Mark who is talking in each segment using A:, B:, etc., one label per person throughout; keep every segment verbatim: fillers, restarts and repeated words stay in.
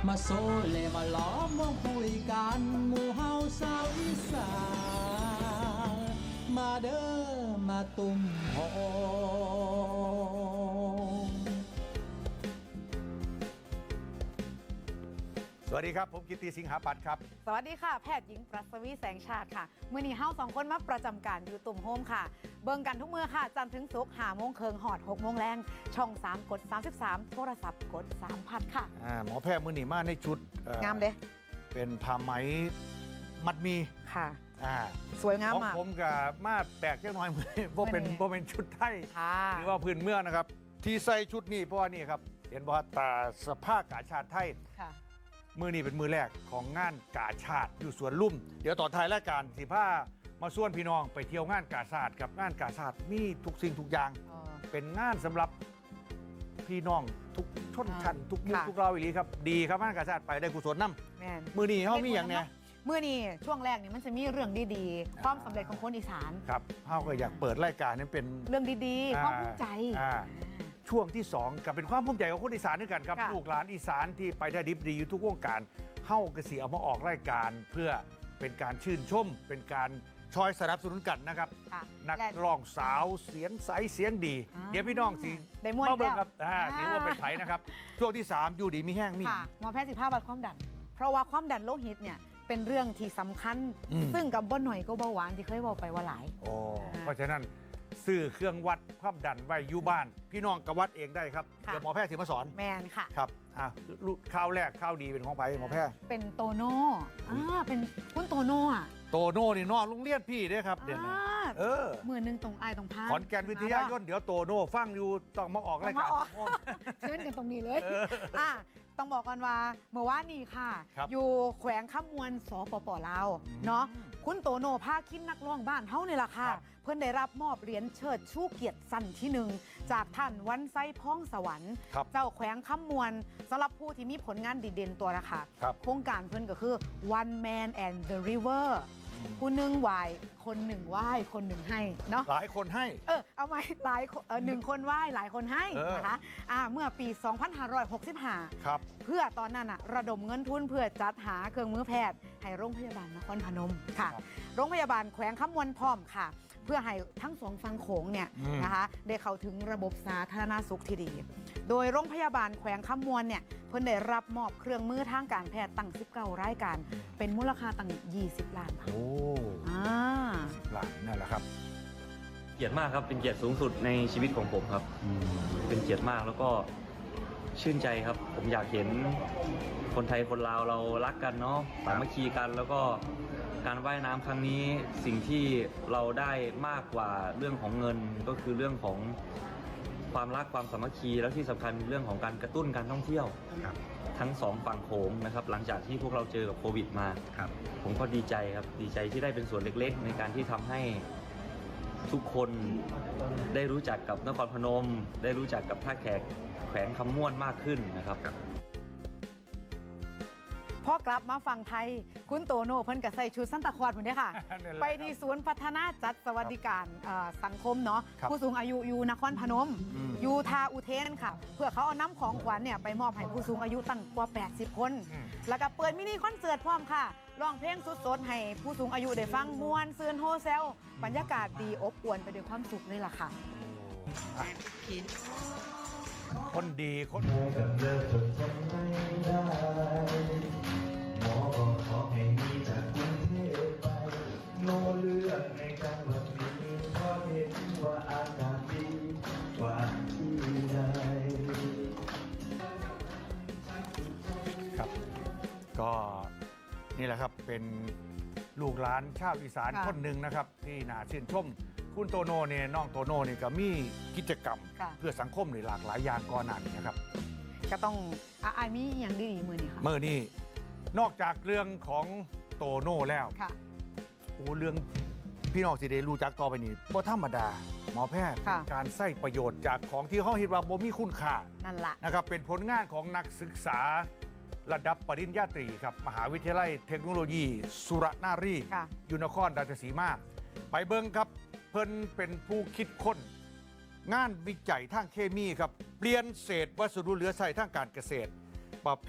A: มาโซเลมาล้อมวงคุยกันหมู่เฮาสาวอีสานมาเด้อมาตุ่มโฮ
B: สวัสดีครับผมกิตติสิงหาปัตย์ครับ
C: สวัสดีค่ะแพทย์หญิงปรัสวีแสงชาติค่ะมื่อนี้เฮาสองคนมาประจำการอยู่ตุ่มโฮมค่ะเบิ่งกันทุกมื้อค่ะจันทร์ถึงศุกร์ห้าโมงครึ่งหอดหกโมงแรงช่องสามกดสามสิบสามโทรศัพท์กดสามพันค่ะ
B: อ่าหมอแพทย์มือหนีมาในชุด
C: งามเด้
B: เป็นผ้าไหมมัดมี
C: ค่ะ
B: อ่า
C: สวยงามมาก
B: ผมกับมาแตกเล็กน้อยมือเพราะเป็นเพราะเป็นชุดไทยหรือว่าพื้นเมืองนะครับที่ใส่ชุดนี้เพราะว่านี่ครับเห็นว่าตาสภาพกาชาติไทยมือนี้เป็นมือแรกของงานกาชาติอยู่สวนลุ่มเดี๋ยวต่อท้ายรายการสิผ้ามาส่วนพี่น้องไปเที่ยวงานกาชาติกับงานกาชาติมีทุกสิ่งทุกอย่างเป็นงานสำหรับพี่น้องทุกชนชั้นทุกมุกทุกเราอีหลีครับดีครับงานกาชาติไปได้กุศลน้ำมือนี้เขามีอย่างเนี้ย
C: มือนี้ช่วงแรกนี่มันจะมีเรื่องดีๆความสำเร็จของคนอีสาน
B: ครับเขาก็อยากเปิดรายการนี้เป็น
C: เรื่องดีๆความภูมิใจ
B: ช่วงที่สองกับเป็นความภูมิใจของคนอีสานด้วยกันครับลูกหลานอีสานที่ไปได้ดิบดีอยู่ทุกวงการเฮ้ากระสีเอามาออกรายการเพื่อเป็นการชื่นชมเป็นการชอยสนับสนุนกันนะครับนักร้องสาวเสียงใสเสียงดีเดี๋ยวพี่น้องสิ
C: ได้ม้วนแล้ว
B: ครับถือว่าเป็นไผ่นะครับช่วงที่สามอยู่ดีมีแห้งมี
C: หมอแพทย์สิบห้าวัดความดันเพราะว่าความดันโลหิตเนี่ยเป็นเรื่องที่สำคัญซึ่งกับบ่หน่อยก็เบาหวานที่เคยบอกไปว่าหลาย
B: โอ้เพราะฉะนั้นซื้อเครื่องวัดความดันไว้อยู่บ้านพี่น้องกวัดเองได้ครับเดี๋ยวหมอแพทย์สิมาสอน
C: แมนค่ะ
B: ครับอ่ะข้าวแรกข้าวดีเป็นของไปหมอแพทย์
C: เป็นโตโน่อ่าเป็นคุณโตโน่อะ
B: โตโน่นี่นอกโรงเรียนพี่ด้วยครับเดี๋ยวนะเออ
C: มือหนึ่งตรงไอตรงพา
B: ขอนแก่นวิทยายนเดี๋ยวโตโน่ฟังอยู่ต้องมาออกรายการ
C: เชิญกันตรงนี้เลยอ่ะต้องบอกกันว่าเมื่อวานนี้ค่ะอยู่แขวงข้ามมวลสปปลาวเนาะคุณโตโน่ภาคินนักร้องบ้านเฮานี่แหละค่ะเพื่อนได้รับมอบเหรียญเชิดชูเกียรติสั้นที่หนึ่งจากท่านวันไซพ้องสวรรค์เจ้าแขวงข้ามมวลสำหรับผู้ที่มีผลงานดีเด่นตัวนะคะโครงการเพื่อนก็คือ One Man and the River ผู้หนึ่งไหวคนหนึ่งไหวคนหนึ่งให้เนาะ
B: หลายคนให้
C: เออเอาไหมหลายเออหนึ่งคนไหวหลายคนให้นะคะอ่าเมื่อปีสองพันห้าร้อยหกสิบห้า
B: ครับ
C: เพื่อตอนนั้นอะระดมเงินทุนเพื่อจัดหาเครื่องมือแพทย์ให้โรงพยาบาลนครพนมค่ะโรงพยาบาลแขวงข้ามมวลพร้อมค่ะเพื่อให้ทั้งสองฝั่งโขงเนี่ยนะคะได้เข้าถึงระบบสาธารณสุขที่ดีโดยโรงพยาบาลแขวงข้ามมวลเนี่ยเพิ่นได้รับมอบเครื่องมือทางการแพทย์ตั้งสิบเก้ารายการเป็นมูลค่าตั้งยี่สิบล้านบาท
B: โอ้
C: อ่า
B: สิบล้านนั่นแหละครับ
D: เกียรติมากครับเป็นเกียรติสูงสุดในชีวิตของผมครับเป็นเกียรติมากแล้วก็ชื่นใจครับผมอยากเห็นคนไทยคนลาวเรารักกันเนาะสามัคคีกันแล้วก็การว่ายน้ำครั้งนี้สิ่งที่เราได้มากกว่าเรื่องของเงินก็คือเรื่องของความรักความสามัคคีแล้วที่สำคัญเรื่องของการกระตุ้นการท่องเที่ยวทั้งสองฝั่งโขงนะครับหลังจากที่พวกเราเจอกับโควิดมาผมก็ดีใจครับดีใจที่ได้เป็นส่วนเล็กๆในการที่ทำให้ทุกคนได้รู้จักกับนครพนมได้รู้จักกับท่าแขกแขวงคำม่วนมากขึ้นนะครับ
C: พอกลับมาฝั่งไทยคุณโตโน่เพิ่นก็ใส่ชุดซันตาคลอสเหมือนเดิมค่ะ ไปที่ศูนย์พัฒนาจัดสวัสดิการสังคมเนาะผู้สูงอายุอยู่นครพนมอยู่ทาอุเทนค่ะเพื่อเขาเอาน้ำของขวัญเนี่ยไปมอบให้ผู้สูงอายุตั้งกว่าแปดสิบคนแล้วก็เปิดมินิคอนเสิร์ตพร้อมค่ะร้องเพลงสดๆให้ผู้สูงอายุได้ฟังม่วนซื่นโฮเซลบรรยากาศดีอบอวลไปด้วยความสุขเลยล่ะค่ะ
B: คนดีคน
E: หมอบอกขอให้มีจากกรุงเทพไปโง่เลือกในจังหวัดนี้เพราะเห็นว่าอากาศดีกว่าที่ใด
B: ครับก็นี่แหละครับเป็นลูกหลานชาวอีสานคนหนึ่งนะครับที่น่าชื่นชมคุณโตโน่เนี่ยน้องโตโน่เนี่ยก็มีกิจกรรมเพื่อสังคมหลากหลายอย่างก่อนหน้านี้นะครับ
C: ก็ต้องอ่ามีอย่างดีๆมือนี่ค่ะ
B: มือนี่นอกจากเรื่องของโตโน่แล้วโอ้เรื่องพี่น้องสิได้รู้จักต่อไปนี่บ่ธรรมดาหมอแพทย์การใช้ประโยชน์จากของที่เขาเห็นว่าบ่มีคุณค่า
C: นั่นแหละ
B: นะครับเป็นผลงานของนักศึกษาระดับปริญญาตรีครับมหาวิทยาลัยเทคโนโลยีสุรนารีอยู่นครราชสีมาไปเบิ่งครับเพิ่นเป็นผู้คิดค้นงานวิจัยทางเคมีครับเปลี่ยนเศษวัสดุเหลือใช้ทางการเกษตรประเภท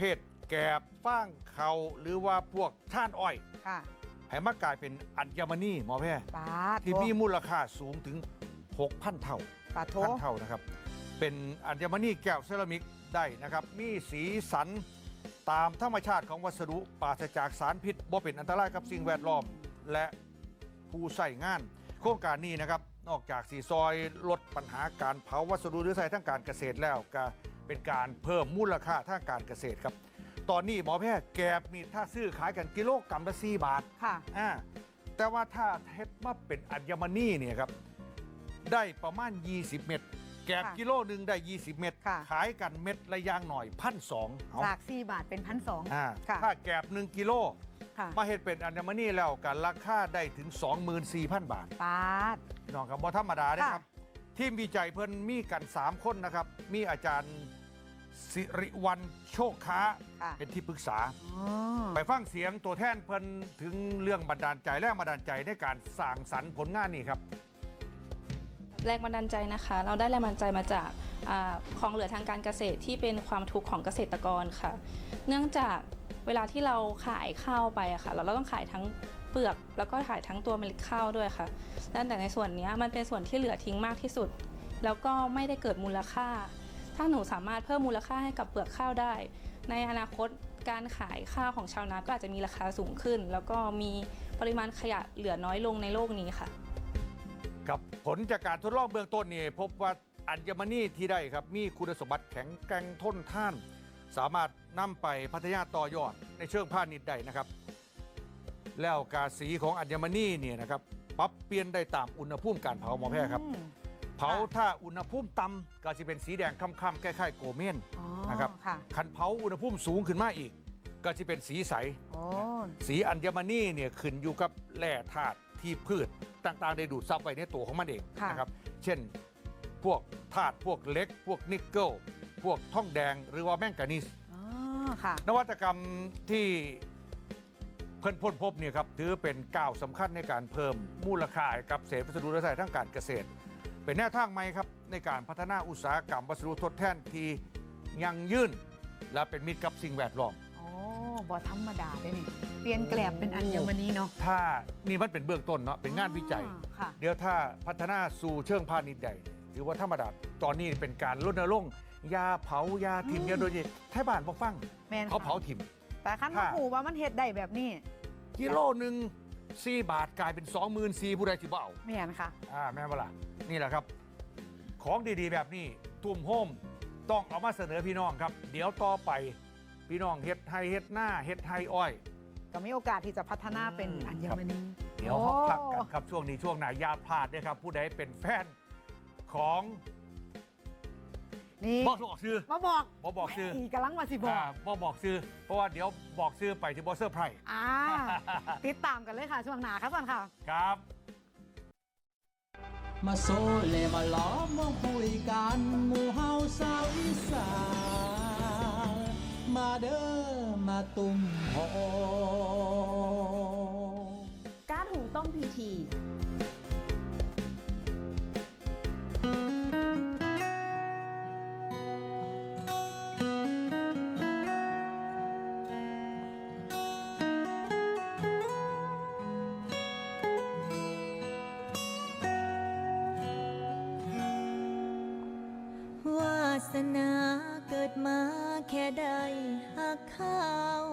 B: แกบฟ้างเขาหรือว่าพวกท่านอ้อย
C: ค่ะ
B: ให้มากลายเป็นอัญมณีหมอแพทย์
C: ปาด
B: ที่มีมูลค่าสูงถึง หกพัน เท่า
C: ปาดโถ
B: พันเท่านะครับ เป็นอัญมณีแก้วเซรามิกได้นะครับ มีสีสันตามธรรมชาติของวัสดุปราศจากสารพิษบ่เป็นอันตรายกับสิ่งแวดล้อมและผู้ใส่งาน โครงการนี้นะครับ นอกจากสีซอยลดปัญหาการเผาวัสดุหรือใช้ทางการเกษตรแล้วก็เป็นการเพิ่มมูลค่าทางการเกษตรครับ ตอนนี้หมอแพทย์แกบมีถ้าซื้อขายกันกิโลกรัมละสี่บาท
C: ค่ะ
B: อ่าแต่ว่าถ้าเทปมาเป็นอัญมณีเนี่ยครับได้ประมาณ ยี่สิบ เม็ดแกบ
C: ค่ะ
B: กิโลหนึ่งได้ ยี่สิบ เม็ด
C: ค่ะ
B: ขายกันเม็ดละอยางหน่อยพันสองเอา
C: จากสี่บาทเป็นพันสอง
B: อ่า
C: ค่ะ
B: ถ้าแกบหนึ่งกิโล
C: ค่ะ
B: มาเห็ดเป็นอัญมณีแล้วกันราคาได้ถึง สองหมื่นสี่พัน บาท
C: ปาด
B: น้องครับบ่ธรรมดานะครับ
C: ค่ะ
B: ทีมวิจัยเพิ่นมีกัน สาม คนนะครับ มีอาจารย์สิริวัลโชคค้า
C: ค่ะ
B: เป็นที่ปรึกษา
C: อ๋อ
B: ไปฟังเสียงตัวแทนเพิ่นถึงเรื่องบันดาลใจแรงบันดาลใจในการสร้างสรรค์ผลงานนี้ครับ
F: แรงบันดาลใจนะคะ เราได้แรงบันดาลใจมาจากอาของเหลือทางการเกษตรที่เป็นความทุกข์ของเกษตรกรค่ะ เนื่องจากเวลาที่เราขายข้าวไปอะค่ะเราเราต้องขายทั้งเปลือกแล้วก็ขายทั้งตัวเมล็ดข้าวด้วยค่ะแต่ในส่วนนี้มันเป็นส่วนที่เหลือทิ้งมากที่สุด แล้วก็ไม่ได้เกิดมูลค่า ถ้าหนูสามารถเพิ่มมูลค่าให้กับเปลือกข้าวได้ ในอนาคตการขายข้าวของชาวนาก็อาจจะมีราคาสูงขึ้น แล้วก็มีปริมาณขยะเหลือน้อยลงในโลกนี้ค่ะ
B: กับผลจากการทดลองเบื้องต้นนี่พบว่าอัญมณีที่ได้ครับมีคุณสมบัติแข็งแกร่งทนทาน สามารถนำไปพัฒนาต่อยอดในเชิงพาณิชย์ได้นะครับ แล้วกาสีของอัญมณีเนี่ยนะครับปรับเปลี่ยนได้ตามอุณหภูมิการเผาหมอแพทย์ครับ
C: อืม
B: เผาถ้าอุณหภูมิต่ำก็จะเป็นสีแดงค่ำๆคล้ายๆโกเมน
C: อ๋อ
B: นะครับ
C: ค่ะ
B: คันเผาอุณหภูมิสูงขึ้นมาอีก ก็จะเป็นสีใส
C: โอ้
B: สีอัญมณีเนี่ยขึ้นอยู่กับแร่ธาตุที่พืชต่างๆ ได้ดูดซับไว้ในตัวของมันเอง
C: ค่ะ
B: นะครับ เช่นพวกธาตุพวกเหล็ก พวกนิกเกิลพวกทองแดงหรือว่าแมงกานีส
C: อ๋อค่ะ
B: นวัตกรรมที่เพิ่นพ้นพบเนี่ยครับถือเป็นก้าวสำคัญในการเพิ่มมูลค่าให้กับเศษวัสดุและใช้ทางการเกษตร เป็นแนวทางใหม่ครับในการพัฒนาอุตสาหกรรมวัสดุทดแทนที่ยั่งยืนและเป็นมิตรกับสิ่งแวดล้อม
C: โอ้บอธรรมดาเลยนี่ เปลี่ยนแกลบเป็นอัญมณีเนาะ
B: ถ้านี่มันเป็นเบื้องต้นเนาะเป็นงานวิจัย
C: อ๋อค่ะ
B: เดี๋ยวถ้าพัฒนาสู่เชิงพาณิชย์ใดถือว่าธรรมดาตอนนี้เป็นการรณรงค์ยาเผายาถิ่ม
C: อืม
B: ยาโดยเฉพาะไทยบ้านบ่ฟัง
C: แมน
B: เขา
C: ค่ะ
B: เผาถิ่ม
C: แต่ขั้น
B: ถ้า
C: มาหูว่ามันเฮ็ดได้แบบนี้
B: กิโลหนึ่งสี่บาทกลายเป็นสองหมื่นสี่ผู้ใดที่บ่เอา
C: แมนค่ะ
B: อ่าแม่นบ่ล่ะนี่แหละครับ ของดีๆ แบบนี้ทุ่มโฮมต้องเอามาเสนอพี่น้องครับ เดี๋ยวต่อไปพี่น้องเฮ็ดไฮเฮ็ดหน้าเฮ็ดไฮอ้อย
C: ก็มีโอกาสที่จะพัฒนาเป็นอัญมณี
B: เดี๋ยวเขาพักกันครับช่วงนี้ช่วงไหนอยาพลาดด้วยครับ ผู้ใดเป็นแฟนของ
C: นี่
B: บอกบอกชื่อ
C: มาบอก
B: บอกบอกชื่อ
C: อีกำลังมาสิบอก
B: อ่าบอกบอกชื่อ เพราะว่าเดี๋ยวบอกชื่อไปที่บอสเซอร์ไพรส์
C: อ่า ติดตามกันเลยค่ะ ช่วงหน้าครับสันค่ะ
B: ครับ
A: มาโซเลมาล้อมมาคุยกันหมู่เฮาสาวอีสานมาเด้อมาตุ่มโฮ
G: ก๊าซหุงต้มพีที
H: วาสนาเกิดมาแค่ได้หักเขา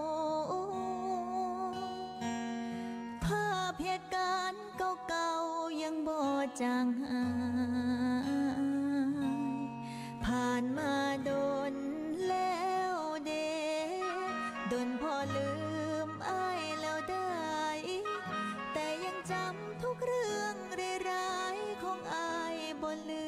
H: ภาพเหตุการณ์เก่าๆยังบ่จางหายผ่านมาโดนแล้วเดโดนพอลืมอ้ายแล้วได้ แต่ยังจำทุกเรื่องร้ายๆของอ้ายบ่ลื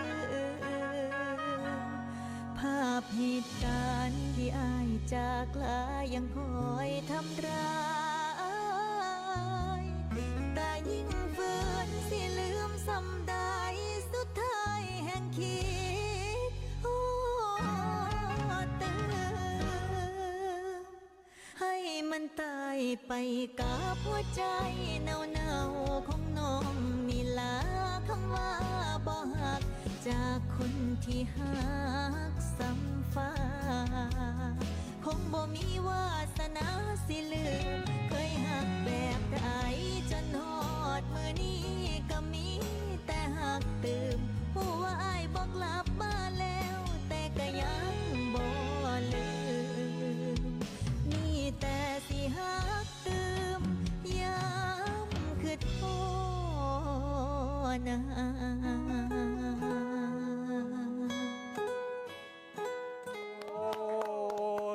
H: ม ภาพเหตุการณ์ที่อ้ายจากลายังคอยทำร้ายแต่ยิ่งฝืนสิลืมซ้ำได้สุดท้ายแห่งคิดโอ้เติมให้มันตายไปกับหัวใจเน่าๆของน้องนี่ลาคำว่าบ่หัก จากคนที่หักซ้ำฟ้าคงบ่มี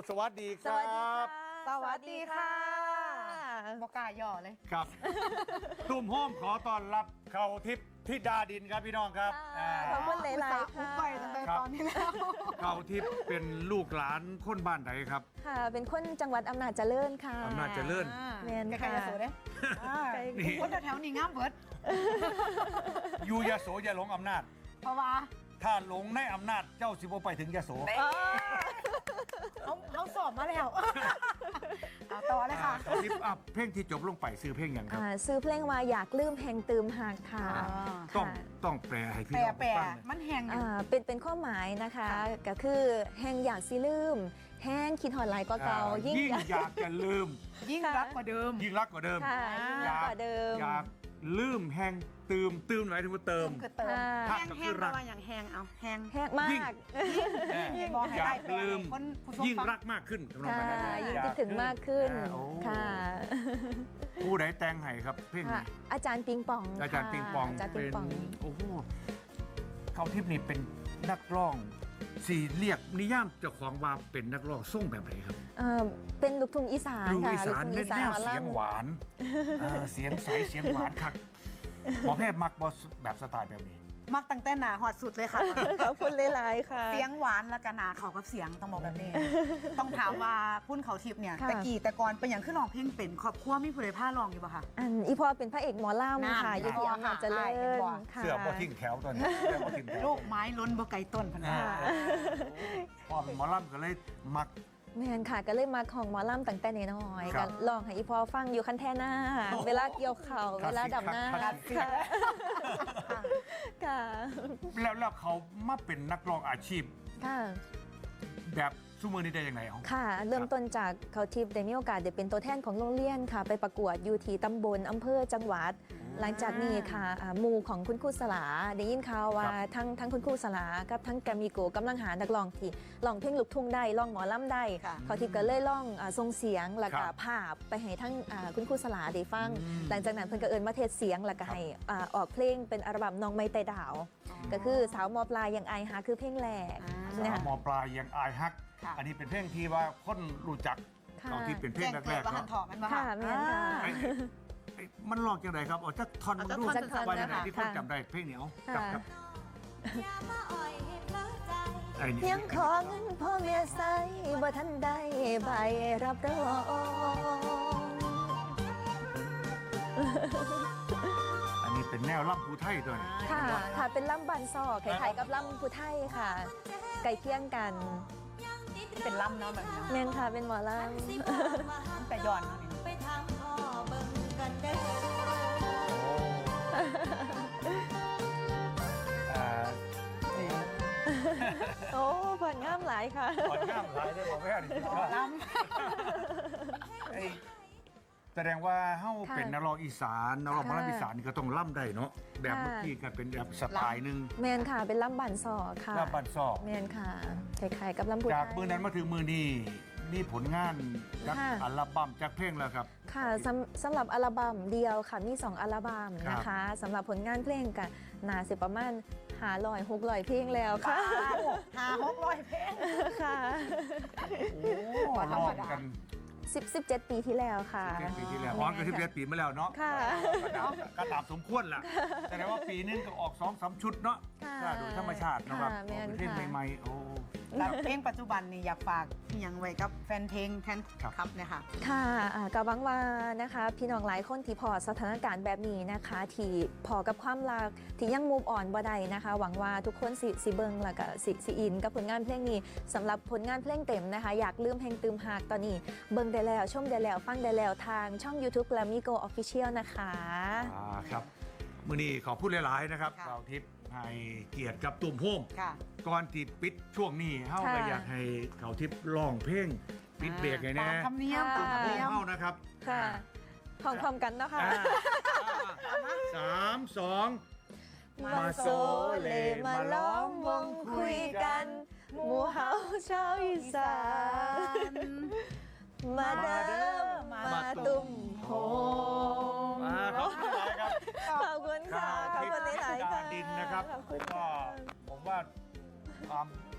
B: สวัสดีค
G: ส
B: รั
G: วัสดีค่ะ
B: บ
C: สวัสดีค่ะบอกกล้าย่อเลย
B: ครับ ตุ้มโฮมขอต้อนรับเข้าทิพย์ธิดาดินครับพี่น้องครับ
G: ค่ะขอบคุณหลายๆ
C: อุตส่ห์อุบไปตั้งแต่
B: ครับ
C: ตอนนี้แล้ว
B: เข้าทิพย์เป็นลูกหลานคนบ้านไหนครับ
G: ค่ะ เป็นคนจังหวัดอำนาจเจริญค่ะ
B: อำนาจเจริญ
G: แม่น
C: ใคร
G: ค่ะ
C: จะสูดเด้อ่า
B: นี่
C: คนแถวๆนี้งามเบิด
B: อยู่ยโสอย่าหลงอำนาจ
C: เพราะว่า
B: ถ้าหลงในอำนาจเจ้าสิบไปถึงยโส
C: เขาเขาสอบมาแล้วเอาต่อเลยค่ะ
B: เข้าทิพย์อ่ะเพลงที่จบลงไปซื้อเพลงอย่างครับ
G: อ่าซื้อเพลงว่าอยากลืมแห่งตืมหักค่ะ
B: ต้อง
G: ค่ะ
B: ต้องแปลให้พี่
C: แปร
B: น้อง
C: แปร
B: ฟังหน่อย
C: มันแหงอยู่
G: อ่าเป็นเป็นข้อหมายนะคะ
C: ค่ะ
G: ก็คือแห่งอยากสิลืม แห้งคิดหอดหลายก็เก่า
B: อ่า
G: ยิ่ง
B: ยิ่งอยากจะลืม
C: ยิ่งรักกว่าเดิม
B: ยิ่งรักกว่าเดิม
G: ค่ะยิ่งรักกว่าเดิม
B: อยากลืมแห้งตืมตืมหมายถึงว่าเติม
C: คือเติม
G: ค่ะ
C: แห้ง
B: ก็คื
C: แห้
B: องรัก
C: แปลว่าอย่างแห้งเอาแห้ง
G: แห้งมา
B: ยิ่ง
G: ก
C: บอกให้
B: อยา
C: ได้
B: ก
C: แปล
B: ลืม
C: คนผู้ชม
B: ยิ่ง
C: ฟัง
B: รักมากขึ้นกำลัง
G: ค่ะ
B: ไปนั้น
G: ยิ่ง
B: อยา
G: คิดถึงมากขึ้น
B: อ่าโอ้
G: ค่ะ
B: ผู้ใดแต่งให้ครับเพลง
G: ค่ะ
B: นี้
G: อาจารย์ปิงปอง
B: อาจารย์
G: ค่ะ
B: ปิงปอง
G: อาจารย์ปิ
B: เป็
G: ง
B: น
G: ปอง
B: โอ้โหเขาทิพย์นี่เป็นนักร้องสี่เรียกนิยามเจ้าของว่าเป็นนักร้องส่งแบบไหนครับ
G: เอ่อเป็นลูกทุ่งอีสาน
B: ลูก
G: ค่ะ
B: อีสาน
G: ลูกทุ่ง
B: เล่
G: อี
B: น
G: สา
B: แน
G: น
B: ว
G: หมอ
B: เสียง
G: ลำ
B: หวานเออเสียงใสเสียงหวานคักหมอแพทย์มักบอสแบบสไตล์แบบนี้
C: มักตั้งแต่หนาหอดสุดเลยค่ะ
G: ขอบคุณหลายๆค่ะ
C: เสียงหวานและกันหนาเขากับเสียงต้องบอกแบบนี้ ต้องถามว่าพุ่นเขาทิพย์เนี่ย
G: ค่ะ
C: แต่กี่แต่ก่อนเป็นอย่างขึ้นร้องเพลงเป็นครอบครัวมีผู้ใดผ้าร้องอยู่ปะคะ
G: อันอีพอเป็นพระเอกหมอ
C: นั่น
G: ลำค่ะอยู่ที่อำนาจเจริ
C: ค่ะ
G: ญ
C: ค่ะ
G: ค่ะ
B: เสื้อพอทิ้งแถวตอนนี้เสื้อพอทิ้งแถว
C: โลกไม้ล้นบ่ไกลต้นพะนะ
B: อ่าพอเป็นหมอลำก็เลยมัก
G: แม่นค่ะก็เลยมาของหมอลำตั้งแต่น้อยๆ
B: ครั
G: ก็
B: บ
G: ลองให้อีพอฟังอยู่คันแท่หน้า
B: โอ้โห
G: เวลาเกี่ยวเข่า
B: คลาสสิก
G: เวลาดับหน้า
B: คลาสสิก
G: ค่ะค่ะ
B: แล้วแล้วเขามาเป็นนักร้องอาชีพ
G: ค่ะ
B: แบบซูมือนี้ได้ยังไงอ๋อ
G: ค่ะ เริ่มต้นจากเขาทิพย์ได้มีโอกาสได้เป็นตัวแทนของโรงเรียนค่ะ ไปประกวดอยู่ที่ตำบลอำเภอจังหวัด หลังจากนี้ค่ะอ่าหมู่ของคุณครูสลาได้ยินข่าวว่าทั้งทั้งคุณครูสลากับทั้งแกรมมี่โกกำลังหานักร้องที่ร้องเพลงลูกทุ่งได้ร้องหมอลำได้
C: ค่ะ
G: เขาทิพย์ก็เลยร้องอ่าทรงเสียงแล้วก็
B: ครับ
G: ภาพไปให้ทั้งอ่าคุณครูสลาได้ฟัง
B: อืม
G: หลังจากนั้นเพิ่นก็เอิญมาเทศเสียงแล้วก็ให้อ่าออกเพลงเป็นอัลบั้มน้องไม่ไต่ดาว ก็คือสาวมอปลายยังอายหาคือเพลงแรก
C: อ่า
B: สา
G: นะ
B: ว
G: คะ
B: หมอปลายยังอายฮัก
C: ค่ะ
B: อันนี้เป็นเพลงที่ว่าคนรู้จัก
G: ค่ะ
B: ตอนที่เป็นเพลง
C: แจ้ง
B: แร
C: เกิด
B: กๆ
C: ว่าหัน
B: เนาะ
C: ถอมันบ่
G: ค่ะแม่นค่ะ
B: ไอ้ไอ้มันลอกจังไดครับเอาจักท่อน
C: เอา
B: มา
C: จัก
B: ดู
C: ท่อน
G: จักท่อน
B: ว่าอย่างไร
G: นะคะ
B: ที่คน
G: ค่ะ
B: จำได้เพลงนี้เอา
G: ค่ะ
B: ครับครับ
H: อย่ามาอ่อยให้เพลิดใจ
B: ไอ้นี่
G: ยังขอเงินพ่อเมียใส่บ่ทันได้ใบรับรอง
B: อันนี้เป็นแนวล่ำภูไทยตัวนี้
G: ค่ะค่ะเป็นล่ำบันซอกคล้ายๆกับล่ำผู้ไทยค่ะไก่เคียงกัน
C: เป็นลำเนาะแบบนี้
G: แม่นค่ะเป็นหมอล
H: สิบอกว่า
C: แต่ย้อนเนาะนี่
H: ไปทางพ่อเบิ่งกันเด้อ
B: อ่า
G: ำโอ้ผลงามหลายค่ะ
B: ก่อนง่ามหลายได้บอกแม่ดิ
C: ล
B: ไอ้แสดงว่าเฮา
G: ค่ะ
B: เป็นนักร้องอีสานนักร้องหมอลำ
G: ค่ะ
B: อีสานนี่ก็ต้องล่ำได้เนาะแบบ
G: ค่ะ
B: เมื่อกี้ก็เป็นแบบสไตล์หนึ่ง
G: แมนค่ะเป็นล่ำบันซอกค่ะ
B: ล่ำบันซอก
G: แมนค่ะคล้ายๆกับล่ำผู้ไท
B: จาก
G: ย
B: มือนั้นมาถึงมือนี้มีผลงานจาก
G: ค่ะ
B: อัลบั้มจากเพลงแล้วครับ
G: ค่ะสำสำหรับอัลบั้มเดียวค่ะมีสองอัลบั้มนะคะสำหรับผลงานเพลงกันนาสิประมาณหาลอยหกลอยเพลงแล้วค่ะ
C: ำหาหกร้อยเพลง
G: ค่ะ
B: โอ้
C: บ่ธร
B: ร้
C: ร
B: อ
C: ม
B: ง
C: ดา
B: กัน
G: สิบ สิบเจ็ดปีที่แล้วค่ะ
B: เจ็ดปีที่แล้วอ๋อก็สิบเจ็ดปีมาแล้วเนาะ
G: ค่ะ
B: ก็ตามก็ตามสมควรล่ะแต่ว่าปีนึงก็ออกสองสามชุดเนาะ
G: ค่ะ
B: ก็โดยธรรมชาติเนาะครับ
G: ค่ะแม่น
B: ออกเป็นเพลง
G: ค่ะ
B: ใหม่ๆโอ้
C: แล้วเพลงปัจจุบันนี่อยากฝากอหย่างไว้กับแฟนเพลงแฟน
B: ครับ
C: คลับเนี่ยค่ะ
G: ค่ะอ่าก็หวังว่านะคะพี่น้องหลายคนที่พอสถานการณ์แบบนี้นะคะ ที่พอกับความรักที่ยังมูฟออนบ่ได้นะคะ หวังว่าทุกคนสิสิเบิงแล้วก็สิสิอินกับผลงานเพลงนี้สำหรับผลงานเพลงเต็มนะคะ อยากลืมเพลงตืมหากตอนนี้เบิงได้แล้วชมได้แล้วฟังได้แล้วทางช่อง YouTube Glamigo Official นะคะ
B: อ่าครับมือนี้ขอพูดหลายๆนะครับ
C: ค่ะ
B: เราทิพย์ให้เกียรติกับตุ่มโฮม
C: ค่ะ
B: ก่อนที่ปิดช่วงนี้เฮาก็
G: ค่ะ
B: อยากให้เขาทิพย์ร้องเพลงปิดเบรกไงแน่
C: ตามธรรมเนียมตามธรรม
B: โฮม
C: เนียม
B: เฮานะครับ
G: ค่ะพร้อมๆกันเนาะค่ะ
B: อ่าสามสอง
G: มาโซเลมาล้อมวงคุยกันหมู่เฮาชาวอีสานมาเด้อมาตุ่มโฮม
B: มาขอบคุณหลายครับ
G: ขอบคุณค่ะขอบคุณหลายๆค่ะ
B: ดินนะครับ
G: ขอบคุณ
B: ก็
G: ค่ะ
B: ผมว่าความ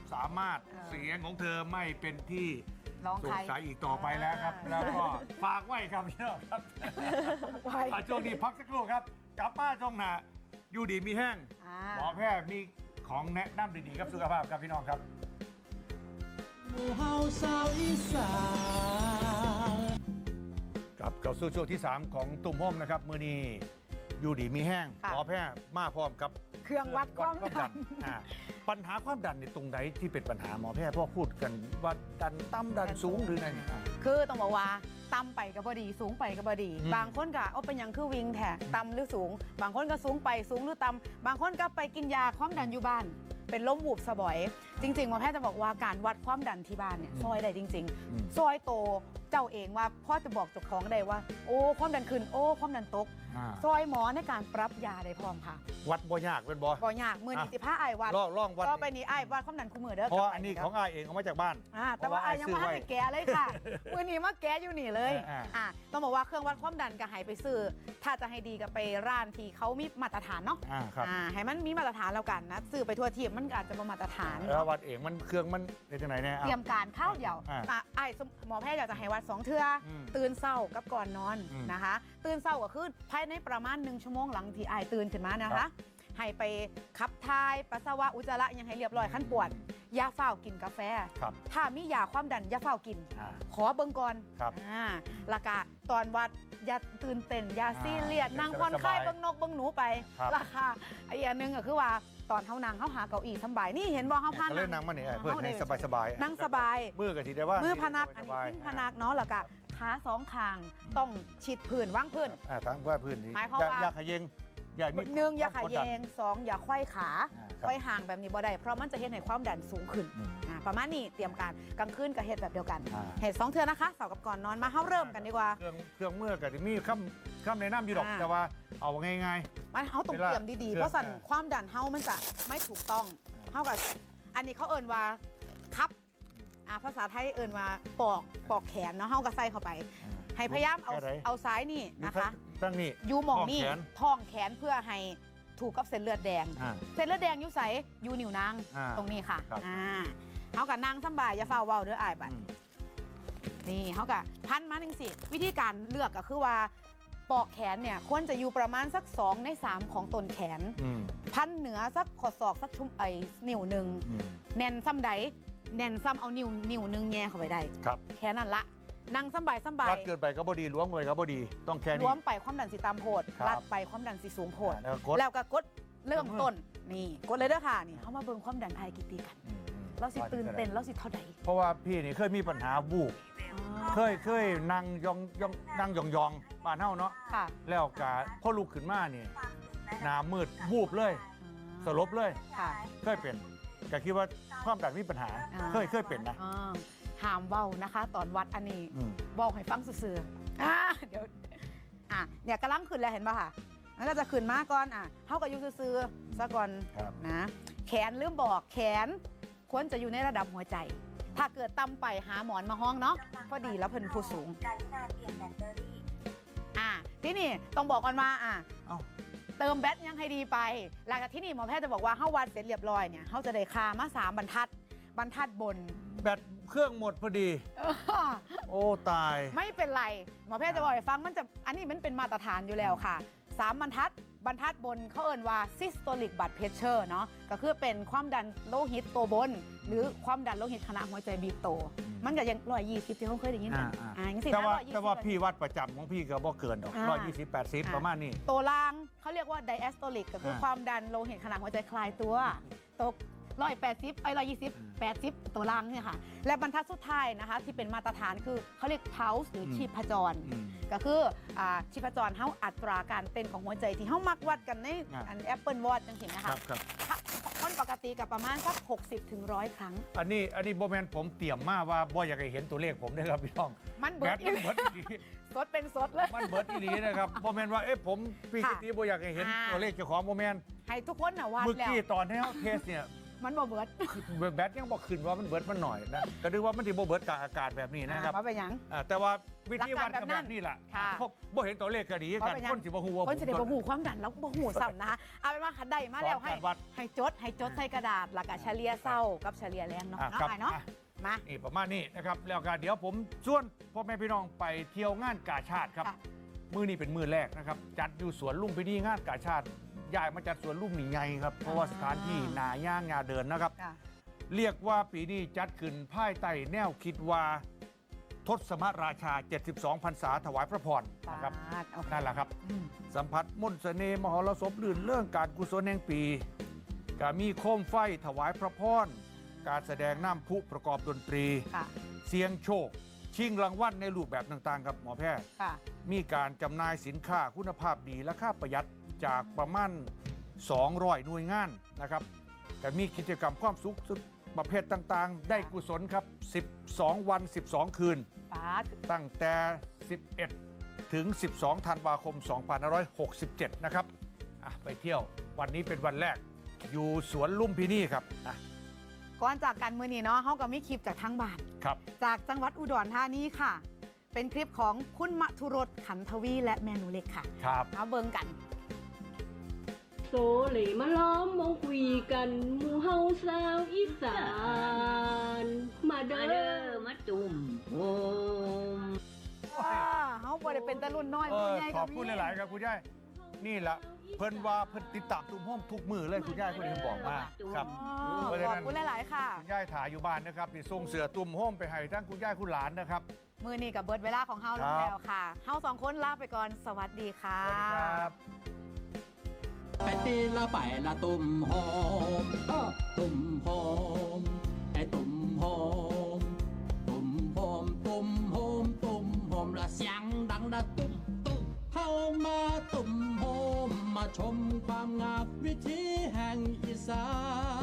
B: สามารถ
C: เออ
B: เสียงของเธอไม่เป็นที่
C: ร้อง
B: ส
C: ใค
B: ง
C: ร
B: สัยอีกต่อไปแล้วครับ แล้วก็ฝากไว้ครับพี่น้องครับ
C: ไว้
B: อ่ะช่วงนี้พักสักครู่ครับ กลับมาช่วงหน้าอยู่ดีมีแห้ง
C: อ่า
B: หมอแพทย์มีของแนะนำดีๆครับสุขภาพครับพี่น้องครับ
A: หมู่เฮาสาวอีสาน
B: กลับเข้าสู่ช่วงที่ สาม ของตุ่มโฮมนะครับมือนี้อยู่ดีมีแห้ง
C: ค่ะ
B: หมอแพทย์มาพร้อมกับ
C: เครื่องวัดความดัน
B: อ่าปัญหาความดันในตรงไหนที่เป็นปัญหาหมอแพทย์พ่อพูดกันว่าดันต่ำดันสูงหรือไงอ่า
C: คือต้องบอกว่าต่ำไปก็บดีสูงไปก็บดี
B: อืม
C: บางคนก็เอาเป็นอย่างคือวิงแท้ต่ำหรือสูง บางคนก็สูงไปสูงหรือต่ำบางคนก็ไปกินยาความดันอยู่บ้าน เป็นล้มหูบสะบอย จริงๆหมอแพทย์จะบอกว่าการวัดความดันที่บ้านเนี่ยซอยได้จริง
B: อืม
C: ๆ ซอยโตเจ้าเองว่าพ่อจะบอกเจ้าของได้ว่า โอ้ความดันขึ้นโอ้ความดันตก
B: อ่า
C: ซอยหมอในการปรับยาได้พร้อมค่ะ
B: วัดบ่ยากเป็นบ่
C: บ่ยากมือนิติภาไอายวัด
B: ลองลองวัด
C: ก็ไปนี่ไอายวัดความดันคู่มือเด้อ
B: เพราะว่า
C: กับ
B: อันนี้
C: เด้
B: ของอายเองเอามาจากบ้าน
C: อ่าแต่ว่าไอายยังไม่ให้แกะเลยค่ะ มือนี้มาแกะอยู่นี่เลย
B: อ่า
C: อ่าต้องบอกว่าเครื่องวัดความดันก็ให้ไปซื้อ ถ้าจะให้ดีก็ไปร้านที่เขามีมาตรฐานเนาะ
B: อ่าครับ
C: อ่าให้มันมีมาตรฐานแล้วกันนะซื้อไปทั่วทีมมันก็อาจจะบ่มาตรฐาน
B: แล้ววัดเองมันเครื่องมันเป็นจังไหนเนี่ย
C: เตรียมการข้าวเดียว
B: อ่า
C: อ่ะไอ้สมหมอแพทย์อยากจะให้วัดสองเทื่ออ
B: ม
C: ตื่นเศร้ากับก่อนนอน
B: อืม
C: นะคะ ตื่นเศร้าก็คือภายในประมาณหนึ่งชั่วโมงหลังที่ไอ้ตื่นขึ้นมานะ
B: ครั
C: คะ
B: บ
C: ให้ไปขับถ่ายปัสสาวะอุจจาระยังให้เรียบร้อยขั้นปวดอยาเฝ้าวกินกาแฟ
B: ครับ
C: ถ้ามียาความดันอยาเฝ้าวกิน
B: อ่า
C: ขอเบิ่งก่อน
B: ครับ
C: อ่าแล้วก็ตอนวัดอย่าตื่นเต้นอย่า
B: อ่า
C: ซีเรียสนั่งผ่อนคลายเบิ่งนกเบิ่งหนูไป
B: ครับ
C: ราคาไอ้อย่างหนึงก็คือว่าตอนเฮานั่งเฮาหาเก้าอี้สำบายนี่เห็นบ่เฮาพา
B: ก็เล่นนั่งมาเนี่ยเพื่อนให้สบายสบายๆ
C: นั่งสบาย
B: มือกับทีได้ว่า
C: มื
B: มื
C: อพนักอันนี้ขึ้นพนักเนาะแล้วก็ขาสองข้างต้องชิดพื้นว่างพื้น
B: อ่าทั้งว่าพื้นนี้
C: หมายความ
B: อย่า
C: ว่า
B: อย่าขยงอย่ามี
C: หนึ่งอย่าขา
B: ควมกด
C: แย
B: ดัน
C: งสองอย่าไขว้ขา
B: อ่าครับ
C: ไขว้ห่างแบบนี้บ่ได้เพราะมันจะเฮ็ดให้ความดันสูงขึ้น
B: อืม
C: อ่าประมาณนี้เตรียมการกลางคืนกับเฮ็ดแบบเดียวกัน
B: อ่า
C: เฮ็ดสองเทื่อนะคะเสาร์กับก่อนนอนมาเฮาเริ่มกันดีกว่า
B: เครื่องเครื่องมือกับที่มีคำคำแนะนำอยู่ดอก
C: อ่า
B: แต่ว่าเอาง่าย
C: มันเฮาต้อง
B: เวลา
C: เตรียมดีๆ
B: เครื่อง
C: เพราะสั่น
B: อ่า
C: ความดันเฮามันจะไม่ถูกต้องเฮากับอันนี้เขาเอิ้นว่าคับอ่าภาษาไทยเอิ้นว่าปอกปอกแขนเนาะเฮาก็ใส่เข้าไป
B: ๆ
C: ให้พยายามเอา
B: แค่ไหน
C: เอาซ้ายนี่นะคะ
B: ตั้งนี่
C: ยูหมองนี่
B: ท้องแขน
C: ท้องแขนเพื่อให้ถูกกับเส้นเลือดแดง
B: อ่า
C: เส้นเลือดแดงอยุใสอยูนิ้วนาง
B: อ่า
C: ตรงนี้ค่ะ
B: ครับ
C: อ่าเขากับนางสำบายอย่าเฝ้าเว้าเด้ออายบัด
B: อืม
C: นี่เขากับพันมาหนึ่งสิวิธีการเลือกก็คือว่าปอกแขนเนี่ยควรจะอยู่ประมาณสักสองในสามของต้นแขน
B: อืม
C: พันเหนือสักขอศอกสักชุ่มไอ้นิ้วหนึ่ง
B: อืม
C: แน่นซ้ำใดแน่นซ้ำเอานิ้วนิ้วหนึ่งแง่เข้าไปได้
B: ครับ
C: แค่นั้นละนั่งสำบายสำบาย
B: รัดเกินไปก็บดีล้วงไปก็บดี ต้องแค่
C: ร
B: นี้
C: วมไปความดันสีตามโพด
B: ครับ
C: ลัดไปความดันสีสูงโพด
B: อ่าแล้วก็กด
C: แล้วก็กดเริ่มต้นนี่กดเลยเด้อค่ะนี่เขามาเบิ่งความดันไอกี่ปีกัน
B: อืมอืม
C: เราสิตื่นเต้นเราสิเท่าใด
B: เพราะว่าพี่นี่เคยมีปัญหาวูบเคยเคยนั่งยองยองนั่งยองยองบ้านเฮาเนาะ
C: ค่ะ
B: แล้วกะพอลุกขึ้นมานี่หน้ามืดวูบเลย สลบเลย
C: ค่ะ
B: เคยเป็นก็คิดว่าความดันมีปัญหา
C: อ่า
B: เคยเคยเป็นนะ
C: อ่าห้ามเว้านะคะ ตอนวัดอันนี้
B: อืม
C: บอกให้ฟังซื่อๆอ่าเดี๋ยวอ่ะเนี่ยกำลังขึ้นแล้วเห็นป่ะค่ะมันก็จะขึ้นมาก่อนอ่ะเฮาก็อยู่ซื่อๆซะก่อน
B: ครับ
C: นะแขนลืมบอกแขนควรจะอยู่ในระดับหัวใจ ถ้าเกิดต่ำไปหาหมอนมาห้องเนาะพอดีแล้วเพิ่นผู้สูงอ่ะที่นี่ต้องบอกก่อนว่าอ่ะ
B: เอ้า
C: เติมแบตยังให้ดีไป หลังจากที่นี่หมอแพทย์จะบอกว่าเฮาวัดเสร็จเรียบร้อยเนี่ยเฮาจะได้คามาสามบรรทัด บรรทัดบน
B: แบตเครื่องหมดพอดี โอ้ตาย
C: ไม่เป็นไร หมอแพทย์จะบอกให้ฟังมันจะอันนี้มันเป็นมาตรฐานอยู่แล้วค่ะสามบรรทัด บรรทัดบนเขาเอ่นว่า systolic blood pressure เนาะก็คือเป็นความดันโลหิตตัวบน หรือความดันโลหิตขณะหัวใจบีบโต
B: อืม
C: มันก็ยังร้อยยี่สิบที่เขาเคยได้ยินกัน
B: อ่า
C: อ่าอย่างสิ
B: แต่ว่า
C: ร้อยยี่สิบ
B: แต่ว่าพี่วัดประจำของพี่ก็บ่เกินดอก
C: อ่า
B: ร้อยยี่สิบแปดสิบประมาณนี้
C: ตัวล่างเขาเรียกว่า diastolic ก็คืออา ความดันโลหิตขณะหัวใจคลายตัวตกร้อยแปดสิบไอ้ร้อยยี่สิบแปดสิบตัวล่างเนี่ยค่ะ และบรรทัดสุดท้ายนะคะ ที่เป็นมาตรฐานคือเขาเรียก pulse หรือชีพจร
B: อืม
C: ก็คืออ่าชีพจรเฮาอัตราการเต้นของหัวใจที่เฮามักวัดกันใน
B: อ่า
C: อัน Apple Watch จังซี่นะ
B: ครั
C: คะ
B: บครับ
C: ถ้าคนปกติกับประมาณสักหกสิบถึงหนึ่งร้อยครั้ง
B: อันนี้อันนี้โบแมนผมเตรียมมาว่าบ่อยากให้เห็นตัวเลขผมนะครับพี่น้อง
C: มัน
B: แบ
C: เบิ
B: ต
C: ด
B: มันเบิดอีหลี
C: สดเป็นสดเลย
B: มันเบิดอีหลีนะครับโบแมนว่าเอ๊ะผมพี่
C: ค่ะ
B: กิติบ่อยากให้เห็น
C: อ่า
B: ตัวเลขเจ้าของโบแมน
C: ให้ทุกคนน่ะวัด
B: เมื่อ
C: แล้ว
B: กี้ตอนที่เขาเทสเนี่ย
C: มันบ่เบิด
B: คือแบตยังบอกขึ้นว่ามันเบิดมันหน่อยนะก็นึกว่ามันที่บ่เบิดกลางอากาศแบบนี้นะครับ
C: ว่าเป็นหยัง
B: อ่าแต่ว่าวิธีวัด
C: หลักการ
B: ก็
C: แบบนั้
B: แบบ
C: น
B: นี้แหละ
C: ค่ะ
B: เพราะบ่เห็นตัวเลขก็ดีกันคนสิบ่ฮู้ว่า
C: คนจะได้บ่หูความดันแล้วบ่หูซ้ำนะคะเอาเป็นว่าขันใดมาแล้วให้
B: การวัด
C: ให้จดให้จดใส่กระดาษแล้วก็เฉลี่ยเศร้ากับเฉลี่ยแรงเนาะ
B: อ่ะ
C: เนาะ
B: ครับ
C: ไอ้เนาะ
B: อ่ะ
C: มา
B: นี่ประมาณนี้นะครับแล้วก็เดี๋ยวผมชวนพ่อแม่พี่น้องไปเที่ยวงานกาชาติครับ
C: ค่ะ
B: มือนี้เป็นมือแรกนะครับจัดอยู่สวนลุมพินีงานกาชาติย้ายมาจัดสวนลุมนี่ไงครับเพราะว่าสถานที่นาย่างงาเดินนะครับ
C: ค่ะ
B: เรียกว่าปีนี้จัดขึ้นภายใต้แนวคิดว่าทศมราชา เจ็ดสิบสอง พรรษาถวายพระพรนะครับ
C: ปาดเอา
B: นั่นแหละครับ
C: อืม
B: สัมผัสมนต์เสน่ห์มหรสพลื่นเรื่องการกุศลแห่งปีก็มีโคมไฟถวายพระพรการแสดงน้ำพุประกอบดนตรี
C: ค่ะ
B: เสียงโชค ชิงรางวัลในรูปแบบต่างๆครับหมอแพทย์
C: ค่ะ
B: มีการจำหน่ายสินค้าคุณภาพดีและค่าประหยัดจากประมาณสองร้อยหน่วยงานนะครับแต่มีกิจกรรมความสุขประเภทต่างๆ ได้กุศลครับ สิบสอง วัน สิบสอง คืน
C: ปาด
B: ตั้งแต่ สิบเอ็ด ถึง สิบสอง ธันวาคม สองพันห้าร้อยหกสิบเจ็ด นะครับอ่ะไปเที่ยววันนี้เป็นวันแรก อยู่สวนลุมพินีครับอ่ะ
C: ก่อนจากกันมือนี้เนาะเขาก็มีคลิปจากทางบ้าน
B: ครับ
C: จากจังหวัดอุดรธานีค่ะ เป็นคลิปของคุณมทุรสขันทวีและแมนูเล็กค่ะ
B: ครับ
C: มาเบิ่งกัน
I: โซเหลมาล้อมวงคุยกันหมู่เฮาสาวอีสาน มาเด้อมาจุ่มโฮม
C: ว้าเขาบ่ได้เป็นตะรุ่นน้อย
B: เอ
C: ผู้
B: อ
C: ใหญ่
B: ขอบคุณหลาย ๆ ครับคุณยายนี่แหละเพิ่นว่าเพิ่นติดตามตุ้มห้อมทุกมือเลยคุณยายคนนี้บอกมาครับ
C: อ๋อ
B: เพราะฉะ
C: ขอบ
B: นั้น
C: คุณหลาย ๆ ค่ะ
B: คุณยายถ่ายอยู่บ้านนะครับที่ส่งเสือตุ้มห้อมไปให้ทั้งคุณยายคุณหลานนะครับ
C: มือนี้กับเบิร์ดเวลาของเฮาล
B: ครั
C: ง
B: บ
C: แล้วค่ะเฮาสองคนลาไปก่อน สวัสดีค่ะ
B: สวัสดีครับ
A: ไปตีละไปละตุ่มหอมอ้อตุ่มหอมไอ้ตุ่มหอมตุ่มหอมตุ่มหอมตุ่มหอมละเสียงดังละตุ่มตุ่มเข้ามาตุ่มหอมมาชมความงามวิถีแห่งอีสาน